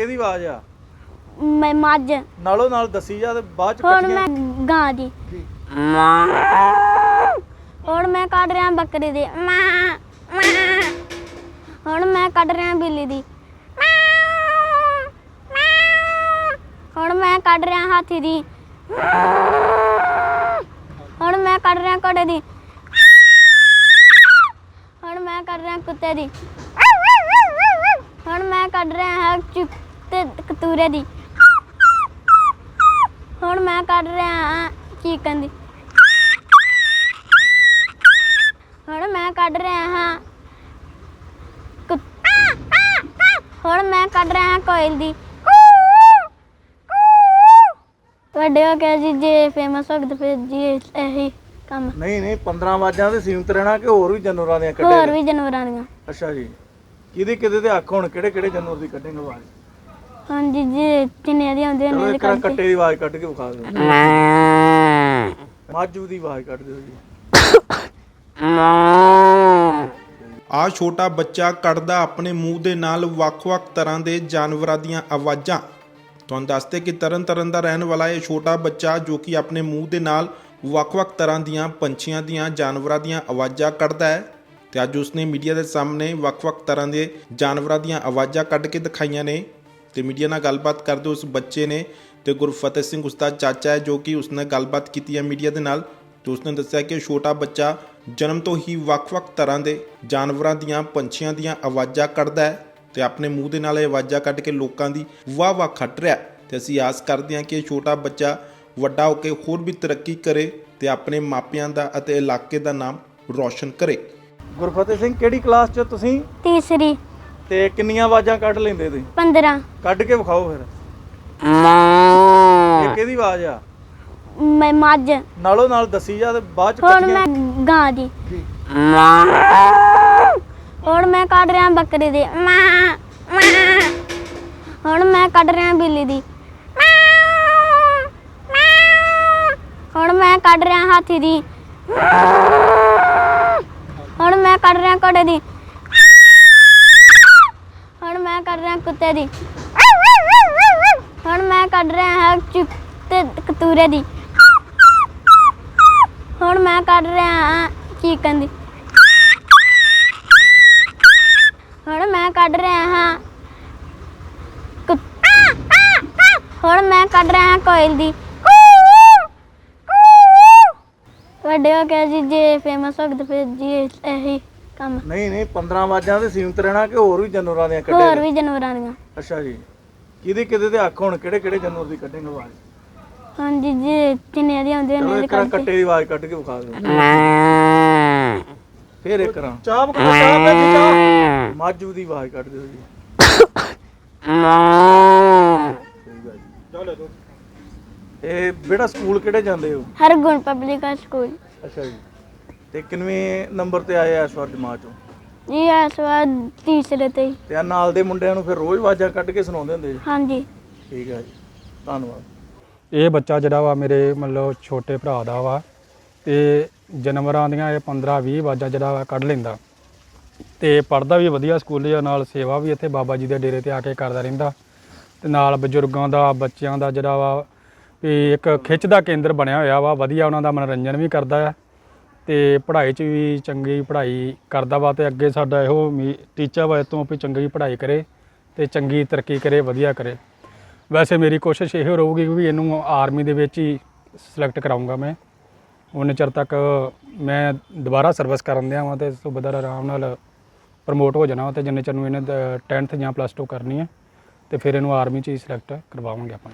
ਕਿਹਦੀ ਆਵਾਜ਼ ਆ? ਮੈਂ ਮੱਝ ਨਾਲੋਂ ਨਾਲ ਦੱਸੀ ਜਾ ਤੇ ਬਾਅਦ ਚ ਹੁਣ ਮੈਂ ਗਾਂ ਦੀ ਹੁਣ ਮੈਂ ਕੱਢ ਰਿਹਾ ਬੱਕਰੀ ਦੀ ਹੁਣ ਮੈਂ ਕੱਢ ਰਿਹਾ ਬਿੱਲੀ ਦੀ ਹੁਣ ਮੈਂ ਕੱਢ ਰਿਹਾ ਹਾਥੀ ਦੀ ਹੁਣ ਮੈਂ ਕੱਢ ਰਿਹਾ ਘੋੜੇ ਦੀ ਹੁਣ ਮੈਂ ਕੱਢ ਰਿਹਾ ਕੁੱਤੇ ਦੀ ਹੁਣ ਮੈਂ ਕੱਢ ਰਿਹਾ ਤੇ ਕਤੂਰੇ ਦੀ ਹੁਣ ਮੈਂ ਕੱਢ ਰਿਹਾ ਚੀਕਨ ਦੀ ਹੁਣ ਮੈਂ ਕੱਢ ਰਿਹਾ ਹਾਂ ਹੁਣ ਮੈਂ ਕੱਢ ਰਿਹਾ ਕੋਇਲ ਦੀ ਵੱਡੇ ਹੋ ਕੇ ਜੀ ਜੇ ਫੇਮਸ ਹੋ ਗਏ ਤੇ ਫਿਰ ਜੀ ਇਹੀ ਕੰਮ ਨਹੀਂ 15 ਆਵਾਜ਼ਾਂ ਤੇ ਸੀਮਤ ਰਹਿਣਾ ਕਿ ਹੋਰ ਵੀ ਜਾਨਵਰਾਂ ਦੀਆਂ ਹੋਰ ਕੱਢੇ? ਵੀ ਜਾਨਵਰਾਂ ਦੀਆਂ। ਅੱਛਾ ਜੀ, ਕਿਹਦੇ ਤੇ ਅੱਖ ਹੁਣ ਕਿਹੜੇ ਜਾਨਵਰ ਦੀ ਕੱਢੇਂਗੇ ਆਵਾਜ਼? ਹਾਂਜੀ ਜੀ ਜਿੰਨੇ ਦੀ ਆਉਂਦੀ ਚਲੋ ਉਹਨੇ ਇੱਕ ਕੱਟੇ ਦੀ ਆਵਾਜ਼ ਕੱਢ ਕੇ ਵਿਖਾ ਦਿਓ। ਮੱਝ ਦੀ ਆਵਾਜ਼ ਕੱਢ ਦਿਓ ਜੀ। ਆ ਛੋਟਾ ਬੱਚਾ ਕੱਢਦਾ ਆਪਣੇ ਮੂੰਹ ਦੇ ਨਾਲ ਵੱਖ-ਵੱਖ ਤਰ੍ਹਾਂ ਦੇ ਜਾਨਵਰਾਂ ਦੀਆਂ ਆਵਾਜ਼ਾਂ। ਤੁਹਾਨੂੰ ਦੱਸਦੇ ਕਿ ਤਰਨਤਾਰਨ ਦਾ ਰਹਿਣ ਵਾਲਾ ਇਹ ਛੋਟਾ ਬੱਚਾ ਜੋ ਕਿ ਆਪਣੇ ਮੂੰਹ ਦੇ ਨਾਲ ਵੱਖ-ਵੱਖ ਤਰ੍ਹਾਂ ਦੀਆਂ ਪੰਛੀਆਂ ਦੀਆਂ ਜਾਨਵਰਾਂ ਦੀਆਂ ਆਵਾਜ਼ਾਂ ਕੱਢਦਾ ਹੈ ਤੇ ਅੱਜ ਉਸਨੇ ਮੀਡੀਆ ਦੇ ਸਾਹਮਣੇ ਵੱਖ-ਵੱਖ ਤਰ੍ਹਾਂ ਦੇ ਜਾਨਵਰਾਂ ਦੀਆਂ ਆਵਾਜ਼ਾਂ ਕੱਢ ਕੇ ਦਿਖਾਈਆਂ ਨੇ ਤੇ ਮੀਡੀਆ ਨਾਲ ਗੱਲਬਾਤ ਕਰਦੇ ਉਸ ਬੱਚੇ ਨੇ ਤੇ ਗੁਰਫਤਿਹ ਸਿੰਘ ਉਸਦਾ ਚਾਚਾ ਹੈ ਜੋ ਕਿ ਉਸਨੇ ਗੱਲਬਾਤ ਕੀਤੀ ਹੈ ਮੀਡੀਆ ਦੇ ਨਾਲ ਤੇ ਉਸਨੇ ਦੱਸਿਆ ਕਿ ਛੋਟਾ ਬੱਚਾ ਜਨਮ ਤੋਂ ਹੀ ਵੱਖ-ਵੱਖ ਤਰ੍ਹਾਂ ਦੇ ਜਾਨਵਰਾਂ ਦੀਆਂ ਪੰਛੀਆਂ ਦੀਆਂ ਆਵਾਜ਼ਾਂ ਕੱਢਦਾ ਹੈ ਤੇ ਆਪਣੇ ਮੂੰਹ ਦੇ ਨਾਲ ਇਹ ਆਵਾਜ਼ਾਂ ਕੱਢ ਕੇ ਲੋਕਾਂ ਦੀ ਵਾਹ-ਵਾਹ ਖੱਟ ਰਿਹਾ ਤੇ ਅਸੀਂ ਆਸ ਕਰਦੇ ਹਾਂ ਕਿ ਇਹ ਛੋਟਾ ਬੱਚਾ ਵੱਡਾ ਹੋ ਕੇ ਹੋਰ ਵੀ ਤਰੱਕੀ ਕਰੇ ਤੇ ਆਪਣੇ ਮਾਪਿਆਂ ਦਾ ਅਤੇ ਇਲਾਕੇ ਦਾ ਨਾਮ ਰੌਸ਼ਨ ਕਰੇ। ਗੁਰਫਤਿਹ ਸਿੰਘ ਕਿਹੜੀ ਕਲਾਸ 'ਚ ਤੁਸੀਂ? ਤੀਸਰੀ। ਤੇ ਕਿੰਨੀਆਂ ਆਵਾਜ਼ਾਂ ਕੱਢ ਲੈਂਦੇ ਤੁਸੀਂ? 15। ਕੱਢ ਕੇ ਵਿਖਾਓ ਫਿਰ। ਇਹ ਕਿਹਦੀ ਆਵਾਜ਼ ਆ? ਮੈਂ ਮੱਝ ਨਾਲੋਂ ਨਾਲ ਦੱਸੀ ਜਾ ਤੇ ਬਾਅਦ ਚ ਹੁਣ ਮੈਂ ਗਾਂ ਦੀ ਹੁਣ ਮੈਂ ਕੱਢ ਰਿਹਾ ਬੱਕਰੀ ਦੀ ਹੁਣ ਮੈਂ ਕੱਢ ਰਿਹਾ ਬਿੱਲੀ ਦੀ ਹੁਣ ਮੈਂ ਕੱਢ ਰਿਹਾ ਹਾਥੀ ਦੀ ਹੁਣ ਮੈਂ ਕੱਢ ਰਿਹਾ ਘੋੜੇ ਦੀ ਹੁਣ ਮੈਂ ਕੱਢ ਰਿਹਾ ਕੁੱਤੇ ਦੀ ਹੁਣ ਮੈਂ ਕੱਢ ਰਿਹਾ ਤੇ ਕਤੂਰੇ ਦੀ ਹੁਣ ਮੈਂ ਕੱਢ ਰਿਹਾ ਚੀਕਨ ਦੀ ਹੁਣ ਮੈਂ ਕੱਢ ਰਿਹਾ ਹਾਂ ਹੁਣ ਮੈਂ ਕੱਢ ਰਿਹਾ ਕੋਇਲ ਦੀ ਵੱਡੇ ਹੋ ਕੇ ਜੀ ਜੇ ਫੇਮਸ ਹੋ ਗਏ ਤੇ ਫਿਰ ਜੀ ਇਹੀ ਕੰਮ ਨਹੀਂ 15 ਆਵਾਜ਼ਾਂ ਤੇ ਸੀਮਤ ਰਹਿਣਾ ਕਿ ਹੋਰ ਵੀ ਜਾਨਵਰਾਂ ਦੀਆਂ ਕੱਢੇ? ਹੋਰ ਵੀ ਜਾਨਵਰਾਂ ਦੀਆਂ। ਅੱਛਾ ਜੀ, ਕਿਹਦੇ ਤੇ ਅੱਖ ਹੁਣ ਕਿਹੜੇ ਜਾਨਵਰ ਦੀ ਕੱਢੇਂਗੇ ਆਵਾਜ਼? ਹਾਂਜੀ ਜੀ ਜਿੰਨੇ ਦੀ ਆਉਂਦੀ ਚਲੋ ਉਹਨੇ ਇੱਕ ਕੱਟੇ ਦੀ ਆਵਾਜ਼ ਕੱਢ ਕੇ ਵਿਖਾ ਦਿਓ। ਫਿਰ ਇੱਕ ਰਾਂ ਚਾਹ ਮੱਝ ਦੀ ਆਵਾਜ਼ ਕੱਢ ਦਿਓ ਜੀ। ਇਹ ਬੇਟਾ ਸਕੂਲ ਕਿਹੜੇ ਜਾਂਦੇ ਹੋ? Hargun public school. ਅੱਛਾ ਜੀ, ਤੇ ਕਿੰਨਵੇਂ ਨੰਬਰ ਤੇ ਆਏ ਇਸ ਵਾਰ ਜਮਾਤ ਚੋਂ? ਜੀ ਇਸ ਵਾਰ ਤੀਸਰੇ ਤੇ। ਤੇ ਆ ਨਾਲ ਦੇ ਮੁੰਡਿਆਂ ਨੂੰ ਫਿਰ ਰੋਜ਼ ਆਵਾਜ਼ਾਂ ਕੱਢ ਕੇ ਸੁਣਾਉਂਦੇ ਹੁੰਦੇ ਜੀ? ਹਾਂਜੀ। ਠੀਕ ਹੈ ਜੀ, ਧੰਨਵਾਦ। ਇਹ ਬੱਚਾ ਜਿਹੜਾ ਵਾ ਮੇਰੇ ਮਤਲਬ ਛੋਟੇ ਭਰਾ ਦਾ ਵਾ ਤੇ ਜਾਨਵਰਾਂ ਦੀਆਂ ਇਹ 15-20 ਆਵਾਜ਼ਾਂ ਜਿਹੜਾ ਵਾ ਕੱਢ ਲੈਂਦਾ ਤੇ ਪੜ੍ਹਦਾ ਵੀ ਵਧੀਆ ਸਕੂਲ ਜਾਂ ਨਾਲ ਸੇਵਾ ਵੀ ਇੱਥੇ ਬਾਬਾ ਜੀ ਦੇ ਡੇਰੇ ਤੇ ਆ ਕੇ ਕਰਦਾ ਰਹਿੰਦਾ ਤੇ ਨਾਲ ਬਜ਼ੁਰਗਾਂ ਦਾ ਬੱਚਿਆਂ ਦਾ ਜਿਹੜਾ ਵਾ ਵੀ ਇੱਕ ਖਿੱਚ ਦਾ ਕੇਂਦਰ ਬਣਿਆ ਹੋਇਆ ਵਾ। ਵਧੀਆ ਉਹਨਾਂ ਦਾ ਮਨੋਰੰਜਨ ਵੀ ਕਰਦਾ ਹੈ ਤੇ ਪੜ੍ਹਾਈ 'ਚ ਵੀ ਚੰਗੀ ਪੜ੍ਹਾਈ ਕਰਦਾ ਵਾ ਤੇ ਅੱਗੇ ਸਾਡਾ ਇਹੋ ਟੀਚਾ ਵਾ ਤੋਂ ਵੀ ਚੰਗੀ ਪੜ੍ਹਾਈ ਕਰੇ ਤੇ ਚੰਗੀ ਤਰੱਕੀ ਕਰੇ, ਵਧੀਆ ਕਰੇ। ਵੈਸੇ ਮੇਰੀ ਕੋਸ਼ਿਸ਼ ਇਹੋ ਰਹੂਗੀ ਕਿ ਇਹਨੂੰ ਆਰਮੀ ਦੇ ਵਿੱਚ ਹੀ ਸਿਲੈਕਟ ਕਰਾਊਂਗਾ ਮੈਂ। ਉਨੇ ਚਿਰ ਤੱਕ ਮੈਂ ਦੁਬਾਰਾ ਸਰਵਿਸ ਕਰਨ ਦਿਆਂ ਵਾਂ ਤੇ ਸੂਬੇਦਾਰ ਆਰਾਮ ਨਾਲ ਪ੍ਰਮੋਟ ਹੋ ਜਾਣਾ ਤੇ ਜਿੰਨੇ ਚਿਰ ਨੂੰ ਇਹਨੇ 10th ਜਾਂ +2 ਕਰਨੀ ਹੈ ਤੇ ਫਿਰ ਇਹਨੂੰ ਆਰਮੀ 'ਚ ਹੀ ਸਿਲੈਕਟ ਕਰਵਾਵਾਂਗੇ ਆਪਾਂ।